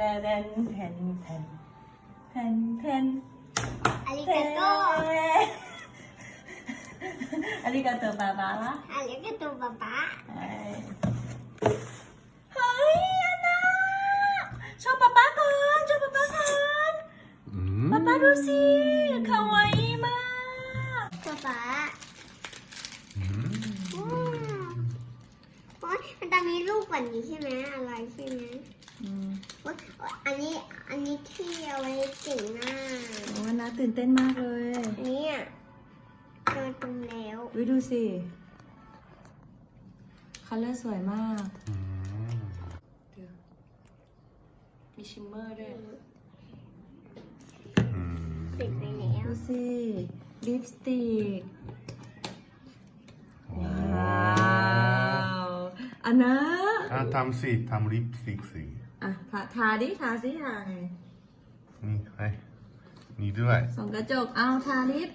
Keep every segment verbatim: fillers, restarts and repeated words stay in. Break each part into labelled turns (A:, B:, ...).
A: แทนแทนแทนแทนแทน
B: อาริกาโต
A: อาริกาโตบาบาละ
B: อาริกาโตป๊าป๊า
A: เฮ้ยอันน่าชอบป๊าป๊าก่อนชอบป๊าป๊าก่อนป๊าป๊าดูสิคาวาอิมาก
B: ป๊าป๊าอืมโอ๊ยมันจะมีลูกกว่านี้ใช่ไหมอะไรใช่ไหม
A: อืม
B: โอ๊ยอันนี้อันนี้ที่เอาไว้ติ่งหน้า
A: โอ้น่าตื่นเต้นมากเลย
B: อันนี้อ่ะเจอตรงแล้ว
A: วิดูสิคัลเลอร์สวยมากมีชิมเมอร์ด้วย
B: ปิดไปแล้ว
A: ดูสิลิปสติกว้าวอันนะ
C: อ่ะทำสิทำลิปสติกสิ
A: อ่ะทาทาดิทาสิทาไง
C: นี่ไอ้นี่ด้วย
A: ส่องกระจกเอาทาลิป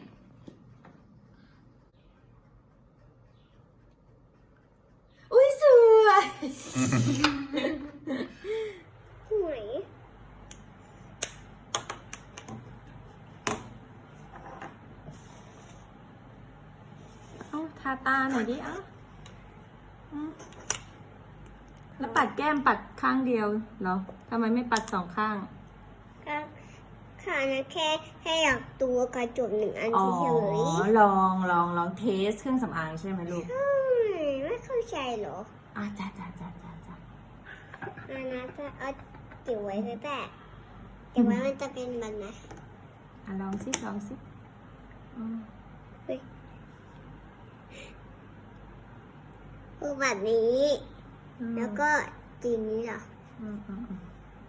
A: อุ้ยสวย
B: หวย
A: เอาทาตาหน่อยดิเอ้าอืมแล้วปัดแก้มปัดข้างเดียวเหรอทำไมไม่ปัดสองข้าง
B: ก็ค่ะนะแค่แค่อยากตัวกระจกหนึ่งอัน
A: อ๋อ
B: เฉย
A: ลองลองลองเทสเครื่องสำอางใช่ไหมลูก
B: ๆอืมไม่เข้าใจเหรอ
A: อ่ะจ้าจ้าจ้าจ้าจ้า
B: อันนั้นจะเอาจิ๋วไว้แต่แต่เดี๋ยวไว้มันจะเป็นแบบไหน
A: อ่ะลองสิลองสิอืม
B: คือแบบนี้ แล้วก็จีนนี้เหรอ
A: อืมอืมอืม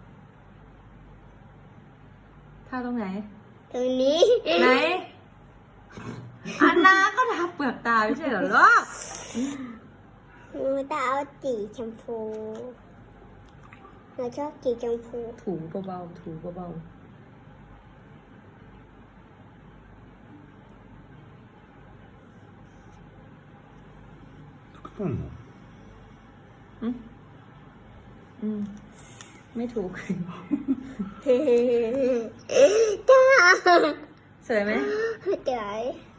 A: ทาตรงไหน
B: ตรงนี้
A: ไหน อันนาก็ทาเปลือกตาไม่ใช่เหรอลูก
B: มันจะเอาจีชมพูเราชอบจีชมพู
A: ถูเบาๆถูเบา
C: อืม
A: ๆอืมอืมไม่ถูก
B: จ้า
A: สวยไหม
B: เจ๋ย